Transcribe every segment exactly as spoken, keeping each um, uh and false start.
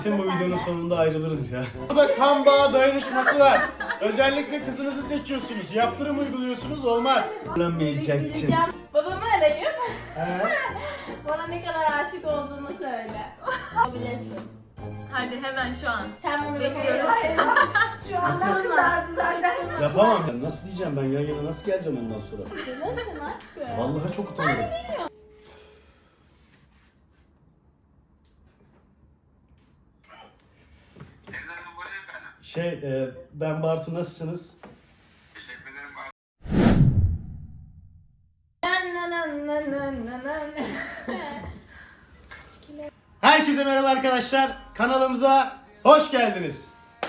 Kesin bu videonun sonunda ayrılırız ya. Burada kan bağı dayanışması var. Özellikle kızınızı seçiyorsunuz. Yaptırım uyguluyorsunuz, olmaz. Öğrenmeyeceksin. Gideceğim. Babamı arayıp He? bana ne kadar aşık olduğunu söyle. Bilesin. Hadi hemen şu an. Sen bunu Bekliyoruz. Şu anda kızardı zaten. Yapamam ben. Nasıl diyeceğim ben yan yana nasıl geleceğim ondan sonra? Nasılsın aşkım? Vallahi çok utanırım. Şey, e, ben Bartu, nasılsınız? Teşekkür ederim. Herkese merhaba arkadaşlar. Kanalımıza hoş geldiniz.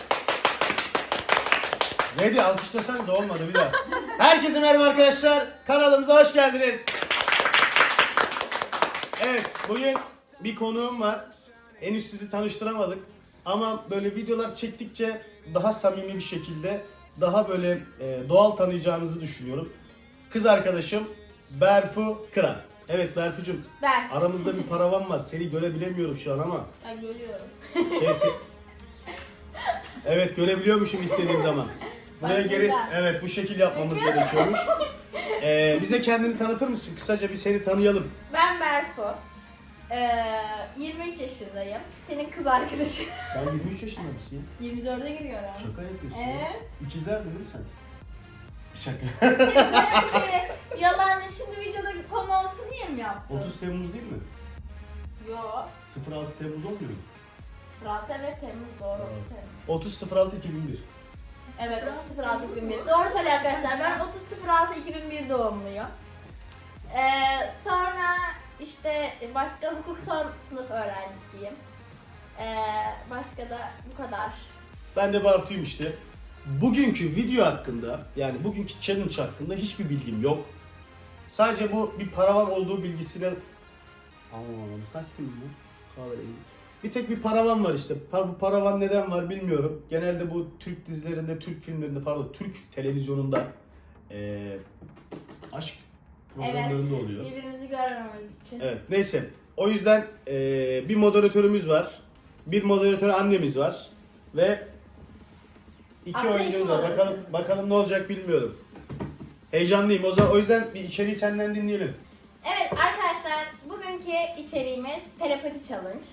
Neydi? Alkışlasanız da olmadı bir daha. Herkese merhaba arkadaşlar. Kanalımıza hoş geldiniz. Evet, bugün bir konuğum var. Henüz sizi tanıştıramadık. Ama böyle videolar çektikçe daha samimi bir şekilde, daha böyle e, doğal tanıyacağınızı düşünüyorum. Kız arkadaşım Berfu Kıran. Evet Berfucum, Ben. aramızda bir paravan var. Seni görebilemiyorum şu an ama. Ben görüyorum. Şeysi... Evet, görebiliyormuşum istediğim zaman. Buraya Bak geri, güzel. evet bu şekil yapmamız gerekiyormuş. Ee, bize kendini tanıtır mısın? Kısaca bir seni tanıyalım. Ben Berfu. Ee, yirmi üç yaşındayım. Senin kız arkadaşın. Sen yirmi üç yaşında mısın ya? yirmi dörde giriyorum. Şaka yapıyorsun ya. Evet. İkizler mi değil mi sen? Şaka. Senin böyle bir şey yalan şimdi videoda bir konu olsun diye mi yaptın? otuz Temmuz değil mi? Yo. sıfır altı Temmuz olmuyor mu? sıfır altı evet Temmuz doğru otuz Temmuz. otuz sıfır altı iki bin bir. Evet otuz sıfır altı iki bin bir. Doğru söylüyor arkadaşlar. Ben otuz sıfır altı iki bin bir doğumluyum. Ee, sonra işte başka hukuk son sınıf öğrencisiyim. Ee, başka da bu kadar. Ben de Bartu'yum işte. Bugünkü video hakkında, yani bugünkü challenge hakkında hiçbir bilgim yok. Sadece bu bir paravan olduğu bilgisine... Anlamadım, saçma mı? Kahverengi. Bir tek bir paravan var işte. Pa- Bu paravan neden var bilmiyorum. Genelde bu Türk dizilerinde, Türk filmlerinde, pardon Türk televizyonunda eee aşk Evet. programlarında oluyor. Birbirimizi görmememiz için. Evet, neyse. O yüzden eee, bir moderatörümüz var. Bir moderatör annemiz var. Ve iki Aslında oyuncumuz iki var. Bakalım, moderatörümüz. bakalım ne olacak bilmiyorum. Heyecanlıyım. O zaman o yüzden bir içeriği senden dinleyelim. Evet arkadaşlar bugünkü içeriğimiz telepati challenge.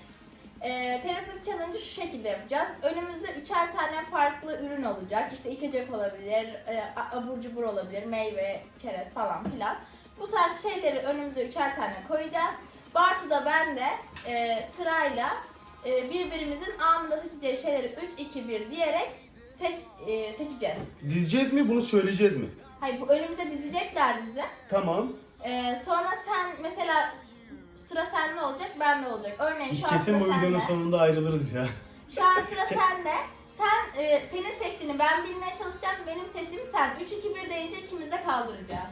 Ee, telepati challenge'ı şu şekilde yapacağız. Önümüzde üçer tane farklı ürün olacak. İşte içecek olabilir, e, abur cubur olabilir, meyve, çerez falan filan. Bu tarz şeyleri önümüze üçer tane koyacağız. Bartu da ben de e, sırayla e, birbirimizin anında seçeceği şeyleri üç iki bir diyerek seç, e, seçeceğiz. Dizeceğiz mi? Bunu söyleyeceğiz mi? Hayır bu önümüze dizecekler bize. Tamam. Ee, sonra sen mesela s- sıra sende olacak, bende olacak. Örneğin Biz şu an kesin sıra bu videonun sende. sonunda ayrılırız ya. Şu an sıra sende. Sen e, senin seçtiğini ben bilmeye çalışacağım. Benim seçtiğimi sen. üç iki bir deyince ikimiz de kaldıracağız.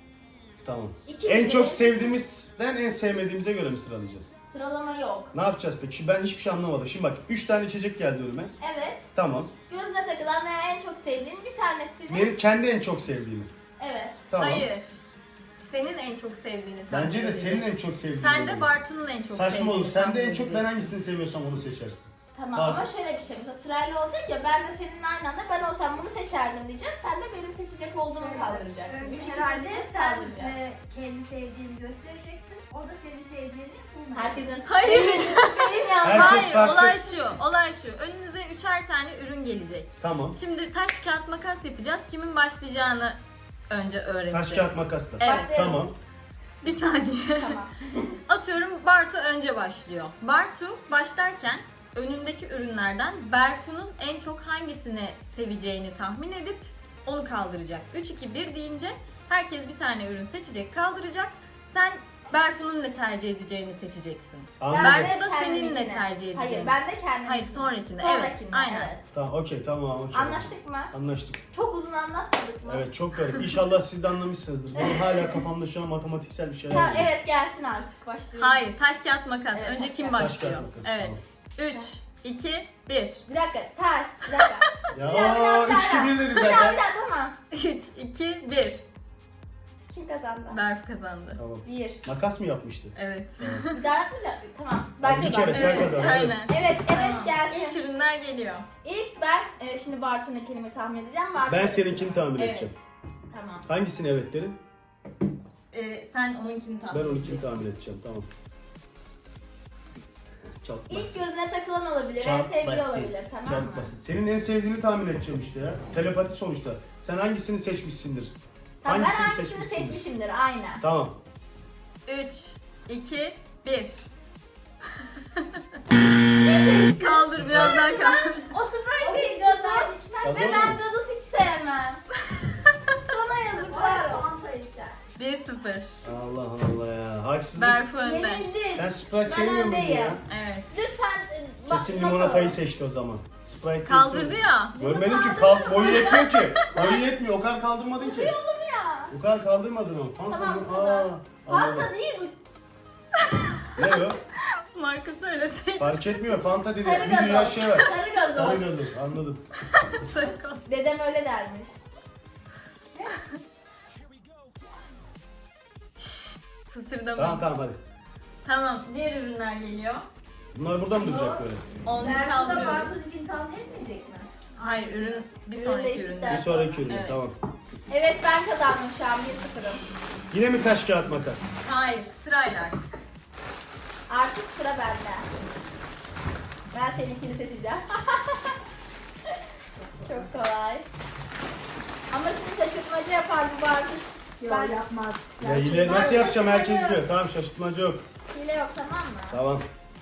Tamam. İkimiz En de- çok sevdiğimizden en sevmediğimize göre mi sıralayacağız? Sıralama yok. Ne yapacağız peki? Ben hiçbir şey anlamadım. Şimdi bak üç tane içecek geldi önüme. Evet. Tamam. Gözüne takılan veya en çok sevdiğin bir tanesini. Benim kendi en çok sevdiğimi. Evet. Tamam. Hayır. Senin en çok sevdiğini tahmin Bence de edecek. senin en çok sevdiğin. Sen de olur. Bartu'nun en çok Saçma sevdiğini olur. Sen de tahmin en çok ben edecek. hangisini seviyorsam onu seçersin. Tamam Pardon. ama şöyle bir şey. Mesela sırayla olacak ya ben de seninle aynı anda ben olsam bunu seçerdim diyeceğim. Sen de benim seçecek olduğumu kaldıracaksın. üç iki bir Herhalde diyeceğiz sen kaldıracağız. e, kendi sevdiğini göstereceksin. O da senin sevdiğini bulmayacak. Herkesin Hayır. benim ya. Herkes Hayır, farklı. olay şu. Olay şu. Önünüze üçer tane ürün gelecek. Tamam. Şimdi taş kağıt makas yapacağız. Kimin başlayacağını önce öğreneceğiz. Taş kağıt makasla. Evet. Başlayalım. Tamam. Bir saniye. Tamam. Atıyorum Bartu önce başlıyor. Bartu başlarken önündeki ürünlerden Berfu'nun en çok hangisini seveceğini tahmin edip onu kaldıracak. üç iki bir deyince herkes bir tane ürün seçecek, kaldıracak. Sen Berfu'nun ne tercih edeceğini seçeceksin. Anladım. Ben de Berfu da senin kendimkine. ne tercih edeceğini. Hayır ben de kendim. Hayır, sonrakinde. Sonrakinde Evet, aynen. evet. Tamam, okey, tamam. okey. Anlaştık mı? Anlaştık. Çok uzun anlatmadık mı? Evet, çok garip. İnşallah siz de anlamışsınızdır. Benim hala kafamda şu an matematiksel bir şeyler Tamam geliyor. evet gelsin artık başlayalım. Hayır, taş kağıt makas. Evet, önce taş kim kağıt. Taş başlıyor? kağıt makas, Evet. üç, iki, bir. Bir dakika taş bir dakika. Ya Bir daha, bir daha, o bir daha, üç iki bir dedi Bir daha bir zaten. daha tamam. üç, iki, bir. Kim kazandı? Berfu kazandı. Tamam. Bir. Makas mı yapmıştı? Evet. Bir daha yapmayacak mıyım? Tamam. Ben Bir kazandım. kere sen Evet, kazandın. aynen. Evet, evet Tamam. gelsin. İlk ürünler geliyor. İlk ben e, şimdi Bartu'nun kelime tahmin edeceğim. Bartu Ben seninkini tahmin Evet. edeceğim. Tamam. Hangisini evet derim? Ee, sen onunkini tahmin Ben edeceksin. onunkini tahmin edeceğim. Tamam. Çok İlk basit. gözüne takılan olabilir, en Çok sevdiği basit. olabilir, tamam mı? Çok basit. Senin en sevdiğini tahmin edeceğim işte ya. Telepati sonuçta. Sen hangisini seçmişsindir? Tamam, ben Hangisini hangisini seçmişsindir? seçmişimdir, aynen. Tamam. üç, iki, bir. Ne seçtin? Kaldır biraz daha kaldır. O Sprite değil Gazoz gazoz. içmez. Ve Gazoz ben mu? gazoz hiç sevmem. Sana yazıklar olsun. Fanta içer. bir sıfır. Allah Allah ya. Haksızlık. Berfu önde. Yenildin. Sen Sprite Ben sevmiyor muydun öndeyim. ya? Evet. Lütfen e, bak- Kesin not limonatayı alın. seçti o zaman. Sprite Kaldırdı kesin. ya. Görmedim ki kal boyu yetmiyor ki. Boyu yetmiyor. O kadar kaldırmadın ki. Oğlum ya. O kadar kaldırmadın ama. Fanta Tamam, mı? tamam. Aa, Fanta anladım. değil bu. Ne o? Marka söyleseydin. Fark etmiyor. Fanta dedi. Sarı Bir dünya gazoz. şey var. Sarı gazoz. Sarı gazoz. Anladım. Sarı kal. Dedem öyle dermiş. Fısırdama. Tamam tamam hadi. Tamam. Diğer ürünler geliyor. Bunlar burada mı duracak böyle? Onları Berfu da kaldırıyoruz. Bartu için tahmin etmeyecek mi? Hayır, ürün bir Ürün sonraki değiştikten üründe. Bir sonraki ürün. Evet. Tamam. Evet ben kazandım şu an bir sıfırım. Yine mi taş kağıt makas? Hayır, sırayla artık. Artık sıra bende. Ben seninkini seçeceğim. Çok kolay. Ama şimdi şaşırtmacı yapar bu Bartuş. Yok Ben yapmaz. Ya yine nasıl yapacağım herkes diyor. Tamam şaşırtmacı yok. hile yok, tamam mı? Tamam.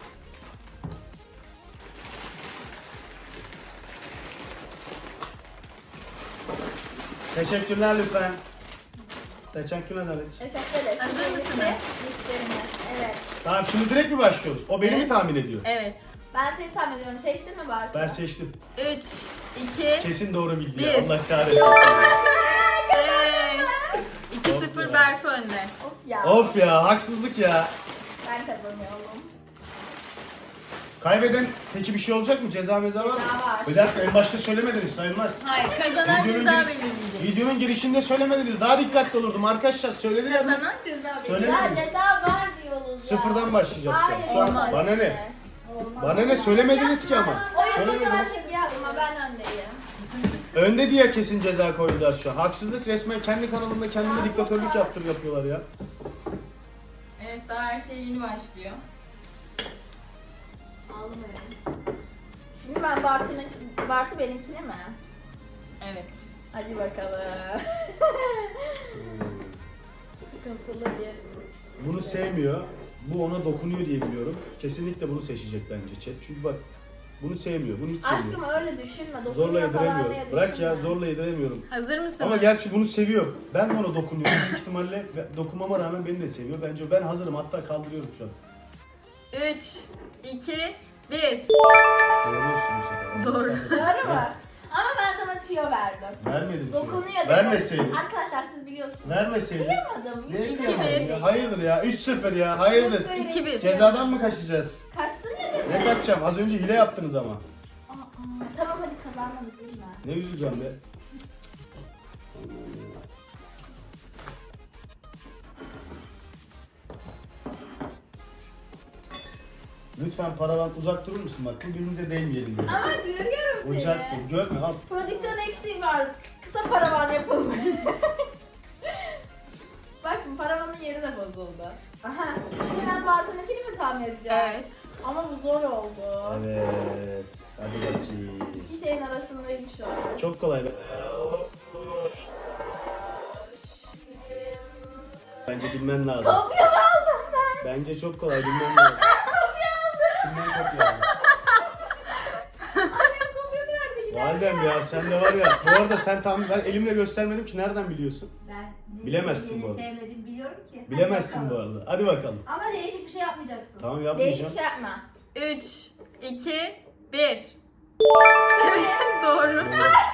Teşekkürler lütfen. Teşekkürler Alex. Teşekkür ederiz. Hazır Şimdi mısınız? bitti. Mixlerimiz. Evet. Tamam şimdi direkt mi başlıyoruz? O beni mi Evet. tahmin ediyor? Evet. Ben seni tahmin ediyorum. Seçtin mi Bartu? Ben seçtim. üç, iki, Kesin doğru bildi ya. Bir. Allah kahretsin. evet. iki Of sıfır ya. Berfu önde. Of ya. Of ya haksızlık ya. Ben kazanıyorum. Kaybeden peki bir şey olacak mı? Ceza meza var mı? Ceza var. Bir dakika en başta söylemediniz sayılmaz. Hayır, kazanan Videonun ceza gir- belirleyecek. Videonun girişinde söylemediniz. Daha dikkatli olurdum arkadaşlar. Söylediler mi? Kazanan ceza Söyle. belirleyecek. Ya ceza var diyoruz ya. Sıfırdan başlayacağız şu an. Hayır, Şu an olmaz bana işte. ne? Bana ne söylemediniz ki ama. O yapacak Söylemediniz. şey yapma, ben öndeyim. Önde diye kesin ceza koydular şu an. Haksızlık, resmen kendi kanalında kendine diktatörlük yaptır yapıyorlar ya. Evet, daha her şey yeni başlıyor. Ağlamayın. Şimdi ben Bartu'nun, Bartu benimkine mi? Evet. Hadi bakalım. Sıkıntılı bir... Bunu sevmiyor. Bu ona dokunuyor diye biliyorum. Kesinlikle bunu seçecek bence chat. Çünkü bak bunu sevmiyor. Bunu hiç sevmiyor. Aşkım öyle düşünme. Zorla Dokunuyor falan diye yediremiyorum. Bırak ya düşünme. zorla yediremiyorum. Hazır mısınız? Ama gerçi bunu seviyor. Ben de ona dokunuyorum büyük ihtimalle. Ve dokunmama rağmen beni de seviyor. Bence ben hazırım. Hatta kaldırıyorum şu an. üç, iki, bir. Doğru olsun bu sefer. Doğru. Doğru mu? Ama ben sana tüyo verdim. Vermedim. Dokunuyor dedim. Vermeseydin. Arkadaşlar siz biliyorsunuz. Vermeseydin. Duyamadım. Ne İki yapıyorsun bir. ya? Hayırdır ya? üç sıfır ya. Hayırdır? Böyle İki bir. Cezadan mı kaçacağız? Kaçtın ne demek? Ne kaçacağım? Az önce hile yaptınız ama. Aa, aa. Tamam hadi kazanmam üzülme. Ne üzüleceğim be? Lütfen paradan uzak durur musun bak? Birbirimize değmeyelim diye. Ama görüyorum seni. Ocak dur. Görme al. Prodüksiyon eksiği var. Kısa paravan yapalım. Bak şimdi paravanın yeri de bozuldu. Aha. Şimdi ben Bartu'nunkini mi tahmin edeceğim? Evet. Ama bu zor oldu. Evet. Hadi bakayım. İki şeyin arasındayım şu an. Çok kolay be. Bence bilmen lazım. Kopya mı aldım ben? Bence çok kolay bilmen lazım. Kimden kopya aldın? Annem kopya verdi gider. Validem ya sen de var ya. Bu arada sen tam ben elimle göstermedim ki nereden biliyorsun? Ben Bilemezsin bu bu arada. Sevmedim biliyorum ki. Bilemezsin Hadi bu bakalım. arada. Hadi bakalım. Ama değişik bir şey yapmayacaksın. Tamam Değişik yapmayacağım. bir şey yapma. üç, iki, bir. Doğru.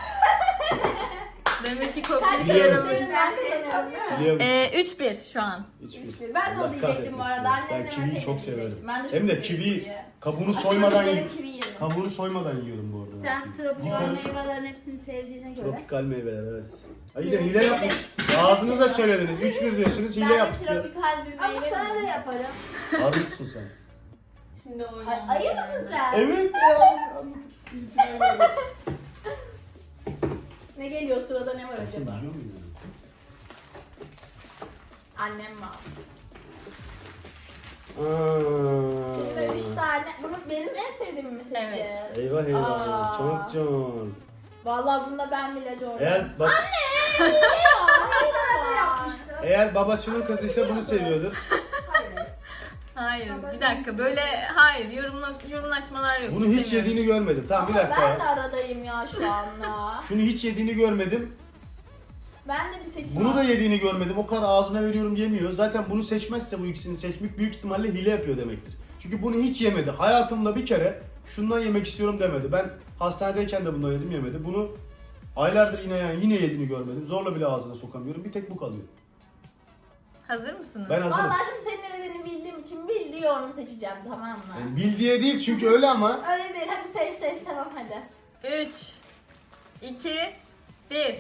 Demek ki kopya Kaç işe Biliyor yaramış. musun? Ben kazanıyorum değil mi? Biliyor musun? Ee, üç bir şu an. Hiçbir. Hiçbir. Ben de Allah onu diyecektim bu kahretmesin arada. ya. Annemle Ben kiviyi mesela çok diyecektim. severim. Ben de çok Hem de severim kivi kiviyi. kabuğunu Aşırı soymadan severim yiyeyim. kivi yerim. Kabuğunu soymadan yiyorum bu arada. Sen tropikal Yıkarım. meyvelerin hepsini sevdiğine göre. Tropikal meyveler evet. Ay yine hile yapmış. Ağzınıza söylediniz. üç bir diyorsunuz hile Ben de yaptık. ya. tropikal bir Ama meyve sana da miyim? yaparım. Armutsun sen. Şimdi Ay, oynayalım. ayı mısın sen? Evet ya. Ne geliyor sırada, ne var Sen acaba? biliyor musun ya? Annem var. Aa. Şimdi üç tane. Bunu benim en sevdiğim mi seçeceğiz? Evet. Eyvah eyvah. Aa. Çok can. Vallahi bunda ben bile Jordan. Eğer bak Anne! Ne yapmıştım? eğer babacının kızıysa bunu seviyordur. Hayır. Hayır bir dakika böyle hayır yorumla, yorumlaşmalar yok. Bunu hiç istemiyoruz. yediğini görmedim. Tamam bir dakika Ben de ya. aradayım ya şu anda. Şunu hiç yediğini görmedim. Ben de bir seçim Bunu da aldım. yediğini görmedim. O kadar ağzına veriyorum yemiyor. Zaten bunu seçmezse bu ikisini seçmek büyük ihtimalle hile yapıyor demektir. Çünkü bunu hiç yemedi. Hayatımda bir kere şundan yemek istiyorum demedi. Ben hastanedeyken de bundan yedim yemedi. Bunu aylardır yine yani yine yediğini görmedim. Zorla bile ağzına sokamıyorum. Bir tek bu kalıyor. Hazır mısınız? Ben hazırım. Vallahi şimdi senin ne dediğini bildiğim için bildiği onu seçeceğim, tamam mı? Yani bildiği değil çünkü öyle ama. Öyle değil, hadi seç seç, tamam hadi. üç, iki, bir.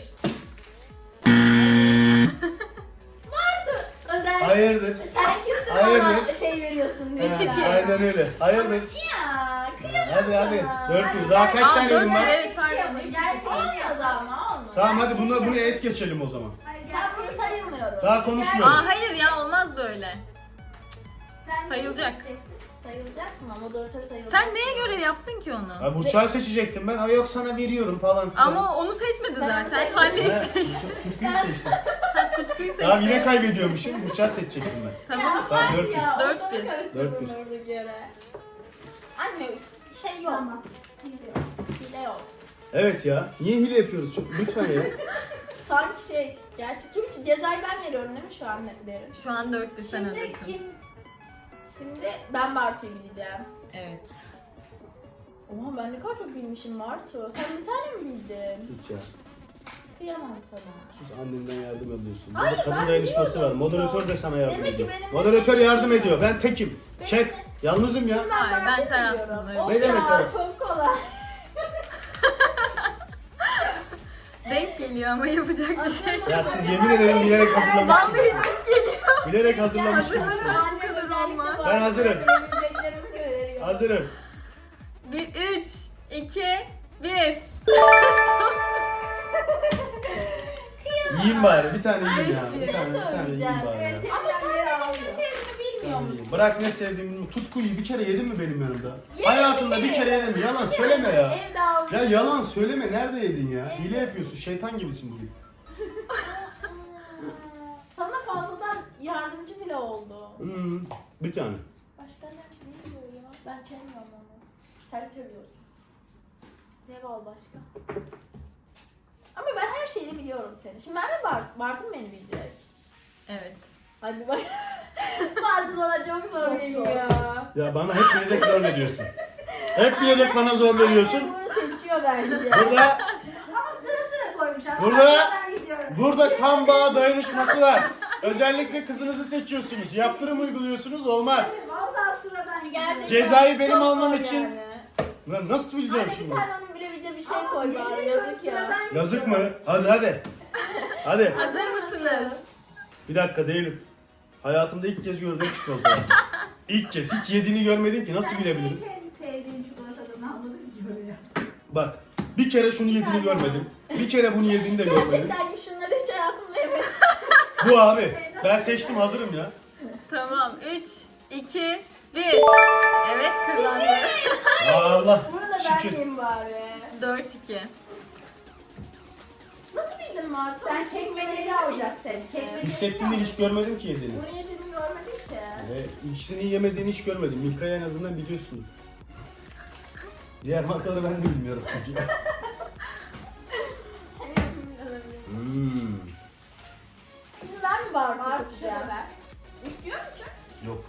Martu özel. Hayırdır. Sen kimsin Hayırdır. bana şey veriyorsun Üç, lütfen. iki. Aynen öyle. Hayırdır. Ya kıyamam Hadi hadi. sana. Dört yüz. Daha kaç Aa, tane dört ürün var? evet pardon. Gerçekten. Olmadı ama olmadı. Tamam hadi bunu, bunu es geçelim o zaman. Hayır, Tamam, bunu gerçekten. sayılmıyoruz. Daha konuşmuyoruz. Aa hayır ya olmaz böyle. Sen Sayılacak. Sayılacak mı? Moderatör sayılacak. Sen neye göre yaptın ki onu? Ha, Burçak'ı seçecektim ben. Ay yok sana veriyorum falan filan. Ama onu seçmedi Ben onu zaten. seçmedim. Halleyi Ha, seçti. Tutkuyu seçtim. Ha, tutkuyu seçti. Tamam yine kaybediyormuşum. Burçak'ı seçecektim ben. Tamam Ya işte. Tamam, bak dört ya, bir. Dört ortalığı bir. karıştırdın Dört bir. oradaki yere. Anne şey yok. Tamam. Hile yok. Evet ya. Niye hile yapıyoruz? Çok, lütfen ya. Sanki şey gerçek. Çünkü cezayı ben veriyorum değil mi şu an netleri? Şu an dört bir sen Şimdi hazırsın. kim? Şimdi ben Bartu'yu bileceğim. Evet. Oha ben ne kadar çok bilmişim Bartu. Sen bir tane mi bildin? Sus ya. Kıyamam sana. Sus annenden yardım alıyorsun. Hayır, Burada kadın ben dayanışması var. biliyordum. Moderatör de sana yardım Demek ki ediyor. benim Moderatör mesleğim yardım değil. ediyor. Ben tekim. Benim Chat. de- Yalnızım ya. Şimdi ben Hayır, ben Bartu'yu tarafsızım, biliyorum. öyle. Of Ne demek ya taraf? çok kolay. Denk geliyor ama yapacak bir şey yok. Ya siz yemin ederim bilerek hazırlamışsınız. Vallahi denk geliyor. Bilerek hazırlamış Hazırım. gibisiniz. Anne kadar özellikle olmaz. Bartu'yu Ben hazırım. bileceklerimi görüyorum. Hazırım. Bir, üç, iki, bir. Yiyeyim bari. Bir tane yiyeyim ya. Ay, Bir bir şey tane, bir tane yiyeyim söyleyeceğim. bari ya. Ama sen benim ne sevdiğimi bilmiyor musun? Bırak ne sevdiğimi. Tutkuyu bir kere yedin mi benim yanımda? Yedim, Hayatında bir bir kere. kere yedin mi? Yalan söyleme ya. Evde almış. Ya yalan söyleme. Nerede yedin ya? Hile yapıyorsun. Şeytan gibisin bugün. Sana fazladan yardımcı bile oldu. Hmm, bir tane. Başka ne ne diyor ya? Ben sevmiyorum onu. Sen seviyorsun. Ne var başka? Ama ben her şeyi biliyorum seni. Şimdi ben de Bart, Bartu mu beni bilecek? Evet. Hadi bak. Bartu sana çok zor Çok geliyor. Ya bana hep bilerek zor veriyorsun. Hep bilerek bana zor veriyorsun. Anne bunu seçiyor bence. Burada Ama sıra sıra koymuş ama Burada- ben gidiyorum. burada kan bağı dayanışması var. Özellikle kızınızı seçiyorsunuz. Yaptırım uyguluyorsunuz olmaz. Vallahi sıradan gidiyorum. Gerçekten Cezayı benim çok almam zor için- yani. Lan nasıl bileceğim Anne bir şimdi? tane onun bilebileceği bir şey Ama koy yemin bari, ediyorum yazık ya. sıradan Yazık gidiyorum. mı? Hadi hadi. Hadi. Hazır mısınız? Bir dakika değilim. Hayatımda ilk kez gördüğüm çikolata. İlk kez. Hiç yediğini görmedim ki. Nasıl Sen bilebilirim? niye kendi sevdiğin çikolatadan anladın ki böyle? Bak. Bir kere şunu yediğini görmedim. Bir kere bunu yediğini de görmedim. Gerçekten şunları hiç hayatımda yemedim. Bu abi. Ben seçtim hazırım ya. Tamam. üç, iki, bir. Evet kazandı. Allah. Bunu da ben Şükür. yiyeyim bari. dört iki. Nasıl bildin Martu? Sen çekmeceli alacaksın. Çekmeceli. Hissettiğini hiç görmedim ki yediğini. Bunu yediğimi görmedim ki. Ve ikisini yemediğini hiç görmedim. Milka'yı en azından biliyorsunuz. Diğer markaları ben de bilmiyorum çünkü. Hmm. Şimdi ben mi Bartu Bartu seçeceğim? ver. İstiyor musun? Yok.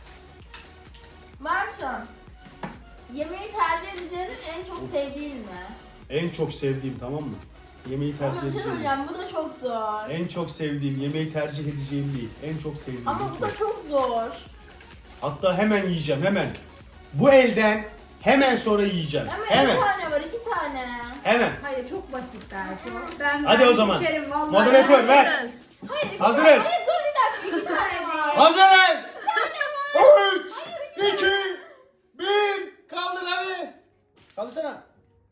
Bartu, yemeği tercih edeceğinin en çok sevdiğin mi? En çok sevdiğim tamam mı? Yemeği Ama tercih bir şey edeceğim. söyleyeceğim, bu da çok zor. En çok sevdiğim, yemeği tercih edeceğim değil. En çok sevdiğim. Ama bu da çok zor. Hatta hemen yiyeceğim hemen. Bu elden Hemen sonra yiyeceğim. Ama Hemen. iki tane var, iki tane. Hemen. Hayır çok basit Berfu. Ben Hadi ben o zaman. içerim vallahi. Moderatör ver. Hazırız. Hayır, iki Hazırız. tane. Hayır, dur bir dakika, iki tane var. Hazırız. üç, iki, bir. Kaldır hadi. Kaldırsana.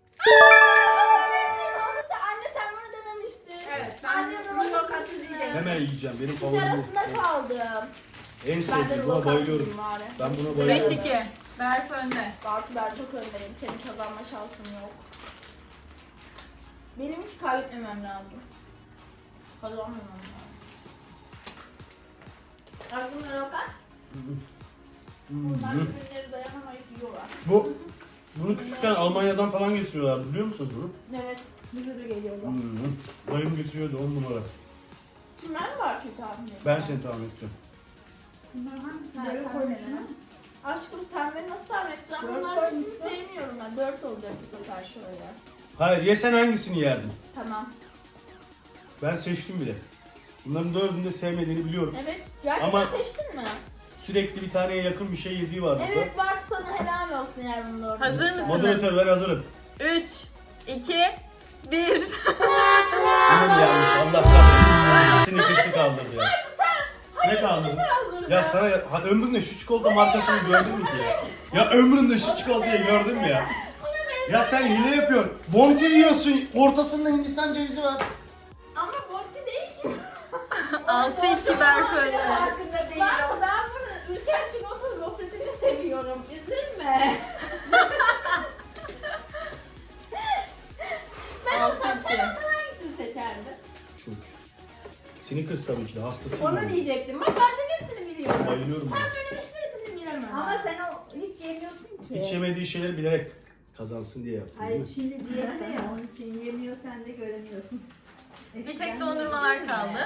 Anne sen bana dememiştin. Evet, ben Anne bunu bana yok dememiştin. hakkı Hemen yiyeceğim. Benim İkisi favorim bu. arasında kaldım. En Ben de sevdiğim. Buna rulo bayılıyorum. kaldım bari. Ben buna beş bayılıyorum. iki. Berfu önde. Bartu ben çok öndeyim. Senin kazanma şansın yok. Benim hiç kaybetmemem lazım. Kazanmamam lazım. Aklımda bakar. Bunlar birbirleri dayanamayıp yiyorlar. Bu bunu küçükken Almanya'dan falan getiriyorlar biliyor musunuz bunu? Evet, bir sürü geliyorlar. Hı-hı. Dayım getiriyordu on numara. Şimdi ben mi Bartu'yu tahmin edeyim? Ben seni tahmin edeceğim. Bunlar Ha, hangileri sen koymuşsun? beni. Aşkım sen beni nasıl tahmin edeceksin? Dört Bunların hiçbirini koymuşsun. sevmiyorum ben. Dört olacak bu sefer şöyle. Hayır yesen hangisini yerdin? Tamam. Ben seçtim bile. Bunların dördünü de sevmediğini biliyorum. Evet, gerçekten Ama- seçtin mi? Sürekli bir taneye yakın bir şey yediği var burada. Evet Bartu sana helal olsun eğer bunu doğru Hazır bilirsen. mısın? Moderatör ben hazırım. üç, iki, bir. Yine mi yanlış? Allah kahretsin. Snickers kaldırdı ya. Bartu sen! Hayır, Ne kaldırdı? kaldırdı. Ya sana ha, ömründe şu çikolata markasını gördün mü ki ya? Ya ömründe şu çikolatayı gördün mü ya? Ya sen hile yapıyorsun. Bounty yiyorsun. Ortasında Hindistan cevizi var. Ama Bounty değil ki. altı iki Berfu önde. Farkında değilim. Bartu ben bunu ülken çikolatalı gofretini seviyorum. Üzülme. ben Altı olsam sen iki. olsan hangisini seçerdin? Çok. Snickers tabii ki de hastasıyım. Onu ben. diyecektim. Bak ben senin hepsini biliyorum. Bayılıyorum Sen ben. benim hiçbirisini bilemem. Ama sen o hiç yemiyorsun ki. Hiç yemediği şeyleri bilerek kazansın diye yaptım. Hayır değil mi? şimdi diyette ya onun için yemiyor sen de göremiyorsun. Bir tek dondurmalar kaldı.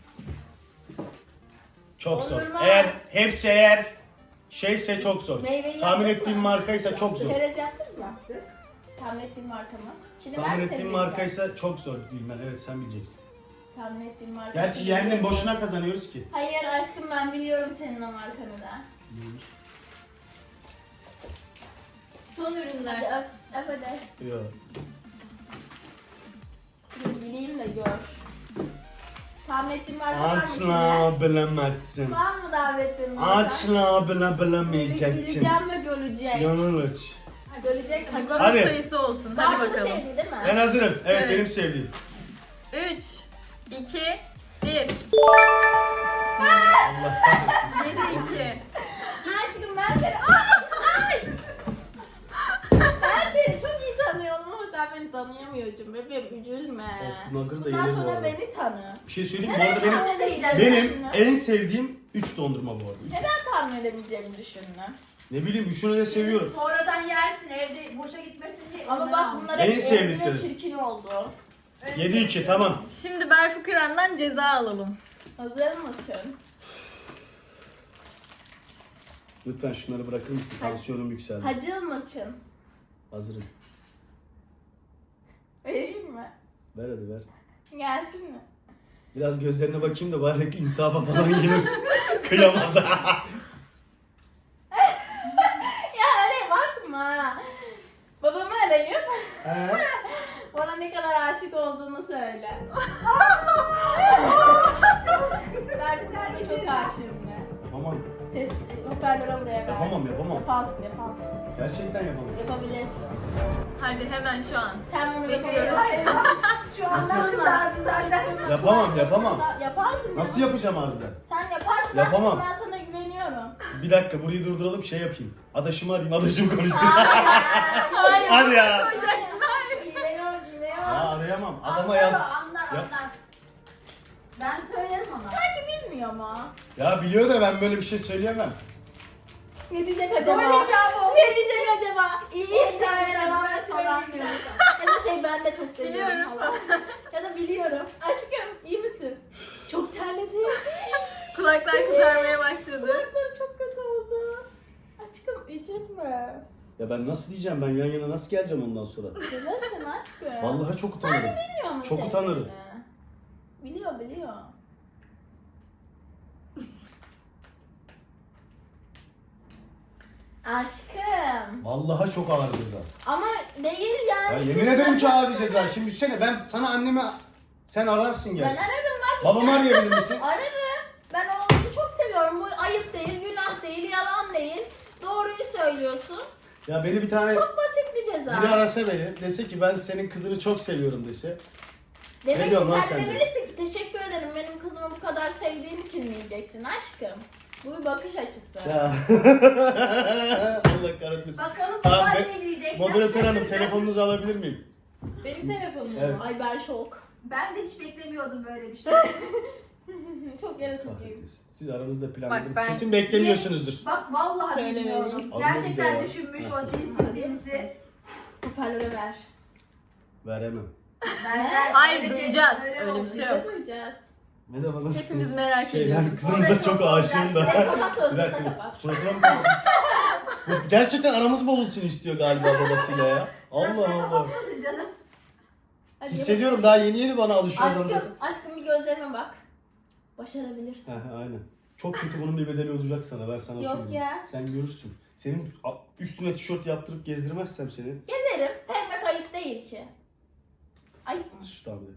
Çok zor. Dondurma. Eğer hepsi eğer şeyse çok zor. Meyveyi Tahmin yaptık ettiğim mı? markaysa çok zor. Çerez yaptın mı? Yaptık. Tahmin ettiğim marka mı? Şimdi ben Tahmin mi ettiğim seni bileceğim? markaysa çok zor bilmem. Evet sen bileceksin. Tahmin ettiğim marka. Gerçi seni yendin biliyorsun. boşuna kazanıyoruz ki. Hayır aşkım ben biliyorum senin o markanı da. Son Hadi ürünler. öp, öp hadi. Yok. Dur bileyim de gör. Tahmin ettiğim marka var mı içinde? Açla bilemezsin. Var mı tahmin ettiğin marka? Açla bile bilemeyeceksin. Bileceğim ve görecek. Yanılış. Ha, görecek mi? Goloş Hadi. sayısı olsun. Hadi Bartu da bakalım. sevdi değil mi? Ben hazırım. Evet, Evet. benim sevdiğim. üç, iki, bir. Allah kahretsin. yedi iki. Aşkım ben seni... Ay! Ay! Ben seni çok iyi tanıyorum ama sen beni tanıyamıyorsun bebeğim üzülme. Of, Nugger da Bundan yenir bu sonra arada. beni tanı. Bir şey söyleyeyim mi? Bu arada benim Tahmin edemeyeceğim benim düşündün. en sevdiğim üç dondurma bu arada. Üç. Neden tahmin edemeyeceğimi düşündün? Ne bileyim üçünü de seviyorum. Sonradan yersin evde boşa gitmesin diye. Ama ondan bak almış. bunlar En hep ezdi sevdiklerim. ve çirkin oldu. yedi iki tamam. Şimdi Berfu Kıran'dan ceza alalım. Hazır mısın? Lütfen şunları bırakır mısın? Tansiyonum yükseldi. Hacı mısın? Hazırım. Vereyim mi? Ver hadi ver. Gelsin mi? Biraz gözlerine bakayım da bari insafa falan gelir. Kıyamaz. Ya öyle bakma. Babamı arayıp He? bana ne kadar aşık olduğunu söyle. Ben sana çok aşığım de. Yapamam. Ses hoparlöre buraya ver. Yapamam yapamam. Yaparsın yaparsın. Gerçekten yapamam. Yapabilirsin. Hadi hemen şu an. Sen bunu Bekliyoruz. yapabilirsin. Şu anda kızardı zaten. Yapamam yapamam. Yaparsın. Nasıl yapacağım harbiden? Sen yaparsın Yapamam. aşkım ben sana güveniyorum. Bir dakika burayı durduralım şey yapayım. Adaşımı arayayım adaşım konuşsun. Hayır. Hadi ya. Koyacaksın, hayır. Hile yok hile yok. Ya arayamam. Adama Anlar yaz. o, anlar Ya- anlar. Ben söylerim ama. Sanki bilmiyor mu? Ya biliyor da ben böyle bir şey söyleyemem. Ne diyecek acaba? Doğru cevap olsun. Ne diyecek acaba? İyi Sen sevmeye devam ben et falan söyleyeyim. diyor. Ya da şey ben de çok seviyorum Biliyorum. falan. Ya da biliyorum. Aşkım iyi misin? Çok terledi. Kulaklar kızarmaya başladı. Kulakları çok kötü oldu. Aşkım üzülme. Ya ben nasıl diyeceğim ben yan yana nasıl geleceğim ondan sonra? Üzülmesin aşkım. Vallahi çok utanırım. Biliyor mu çok sevdiğini? utanırım. Biliyor biliyor. Aşkım. Vallahi çok ağır ceza. Ama değil yani. Ya yemin Şimdi ederim ben- ki ağır ceza. Şimdi düşünsene ben sana anneme sen ararsın Ben gerçi. ararım bak. Babamı arayabilir misin? Ararım. Ben oğlumu çok seviyorum. Bu ayıp değil, günah değil, yalan değil. Doğruyu söylüyorsun. Ya beni bir tane Çok basit bir ceza. biri arasa beni dese ki ben senin kızını çok seviyorum dese. Demek Ne ki diyorsun lan sen sen de? demelisin ki teşekkür ederim benim kızımı bu kadar sevdiğin için mi diyeceksin aşkım. Bu bir bakış açısı. Ya. Allah kahretmesin. Bakalım Tamam, baba ben- ne diyecek? Moderatör hanım telefonunuzu alabilir miyim? Benim telefonum mu? Evet. Ay ben şok. Ben de hiç beklemiyordum böyle bir şey. Çok yaratıcıyım. Kahretmesin. Siz aranızda planladınız. ben- Kesin beklemiyorsunuzdur. Bak vallahi Söylemeliyim. bilmiyordum. Adı ne Gerçekten ya? düşünmüş Heh. o sinsi sinsi. Hoparlöre ver. Veremem. Nereden- Hayır, öyle duyacağız. öyle Öyle bir olmuş. şey Biz yok. de duyacağız. Merhaba nasılsınız? Hepimiz merak şey, ediyoruz. Ben kızınızla çok aşığım da. Bir de kapat o Bir dakika. sırada kapat. Suratına mı kapat? Bu Gerçekten aramız bozulsun istiyor galiba babasıyla ya. Allah Suratına Allah. bakmadın canım. Hadi Hissediyorum daha yeni yeni bana alışıyor. Aşkım, aşkım bir gözlerime bak. Başarabilirsin. Heh, aynen. Çok kötü bunun bir bedeli olacak sana ben sana Yok söyleyeyim. ya. Sen görürsün. Senin a- üstüne tişört yaptırıp gezdirmezsem seni. Gezerim. Sevmek ayıp değil ki. Ayıp mı? Sus tamam.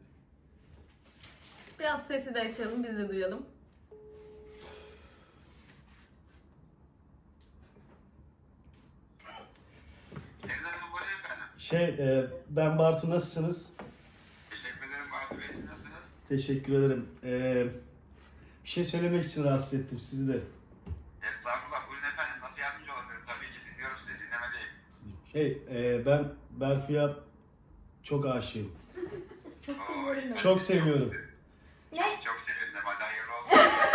Biraz sesi de açalım, biz de duyalım. Şey e, ben Bartu nasılsınız? Teşekkür ederim Bartu Bey. Siz nasılsınız? Teşekkür ederim. E, bir şey söylemek için rahatsız ettim sizi de. Estağfurullah. Buyurun efendim. Nasıl yardımcı olabilirim? Tabii ki dinliyorum sizi. Dinlemedeyim. Şey e, ben Berfu'ya çok aşığım. Çok seviyorum ben. Çok seviyorum. Ne? Çok sevindim. Hadi hayırlı olsun.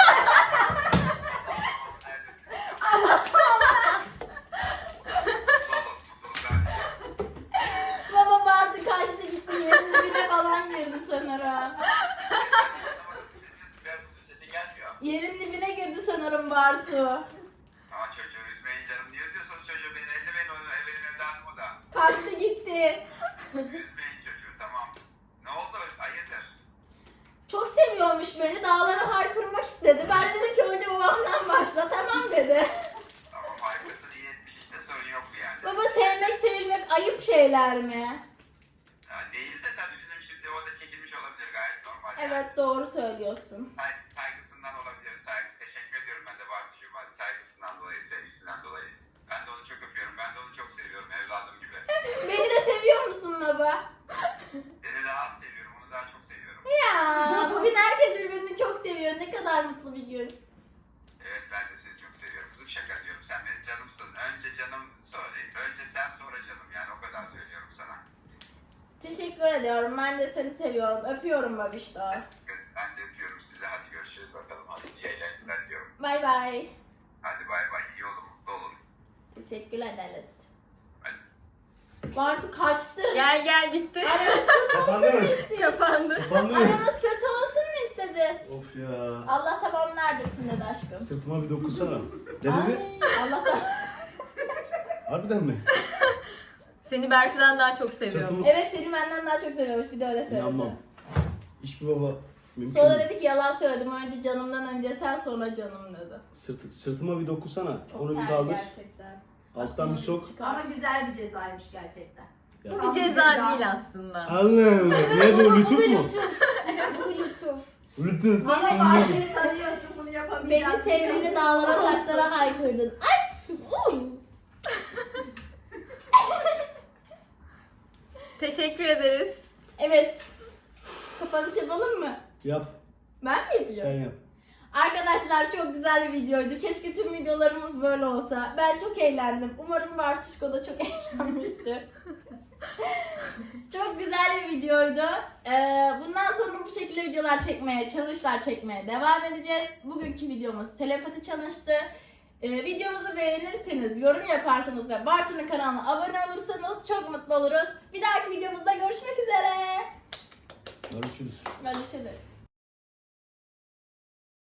Baba vardı karşıda gitti. Yerin dibine falan girdi sanırım. Sesi gelmiyor. Yerin dibine girdi sanırım Bartu. Aa çocuğu üzmeyin canım. Niye üzüyorsunuz çocuğu? Benim ellemeyin onu. Benim evladım o da. Kaçtı gitti. Üzmeyin çocuğu. Tamam. Ne oldu? Hayırdır? Çok seviyormuş beni. Dağlara haykırmak istedi. Ben dedim ki önce babamdan başla. Tamam dedi. Tamam haykırsın. İyi etmiş. İşte sorun yok bu yani. Baba sevmek sevilmek ayıp şeyler mi? Ya değil de tabii bizim şimdi o da çekilmiş olabilir. Gayet normal. yani. Evet doğru söylüyorsun. Say- saygısından olabilir. Saygısı. Teşekkür ediyorum ben de Bartu'cuma. Saygısından dolayı, sevgisinden dolayı. Ben de onu çok öpüyorum. Ben de onu çok seviyorum. Evladım gibi. Beni de seviyor musun baba? Seni daha az seviyorum. Onu daha çok seviyorum. Ya bugün herkes birbirini çok seviyor. Ne kadar mutlu bir gün. Evet ben de seni çok seviyorum. Kızım şaka diyorum. Sen benim canımsın. Önce canım sonra. Önce sen sonra canım. Yani o kadar söylüyorum sana. Teşekkür ediyorum. Ben de seni seviyorum. Öpüyorum babişto. Ben de öpüyorum sizi. Hadi görüşürüz bakalım. Hadi iyi eğlenceler diyorum. Bay bay. Hadi bay bay. İyi olun. Mutlu olun. Teşekkür ederiz. Hadi. Bartu kaçtı. Gel gel bitti. Aramız kötü olsun Kapandı mu mı? istiyor? Kapandı. Kapandı mı? Aramız kötü olsun mu istedi? Of ya. Allah tamam neredesin dedi aşkım. Sırtıma bir dokunsana. Ne dedi? Ay Allah da. Harbiden mi? Seni Berfi'den daha çok seviyorum. Sırtımı... Evet seni benden daha çok seviyormuş. Bir de öyle söyledi. İnanmam. Hiçbir baba mümkün Sonra değil. dedi ki yalan söyledim. Önce canımdan önce sen sonra canım dedi. Sırtı, sırtıma bir dokunsana. Çok Onu bir terli kaldır. gerçekten. Alttan bir sok. Çıkar. Ama güzel bir cezaymış gerçekten. Ya. Bu bir ceza değil aslında. Allah'ım. Ne bu? Lütuf Bu mu? lütuf. Bu lütuf. Lütuf. Ama Beni, Bartu'yu tanıyorsun bunu beni yapamayacaksın. sevdiğini dağlara taşlara haykırdın. Aşkım. um. Teşekkür ederiz. Evet. Kapanış yapalım mı? Yap. Ben mi yapacağım? Sen yap. Arkadaşlar çok güzel bir videoydu. Keşke tüm videolarımız böyle olsa. Ben çok eğlendim. Umarım Bartuşko da çok eğlenmiştir. Çok güzel bir videoydu. Ee, bundan sonra bu şekilde videolar çekmeye, challenge'lar çekmeye devam edeceğiz. Bugünkü videomuz telepati challenge'tı. Ee, videomuzu beğenirseniz, yorum yaparsanız ve Bartu'nun kanalına abone olursanız çok mutlu oluruz. Bir dahaki videomuzda görüşmek üzere. Görüşürüz. Görüşürüz.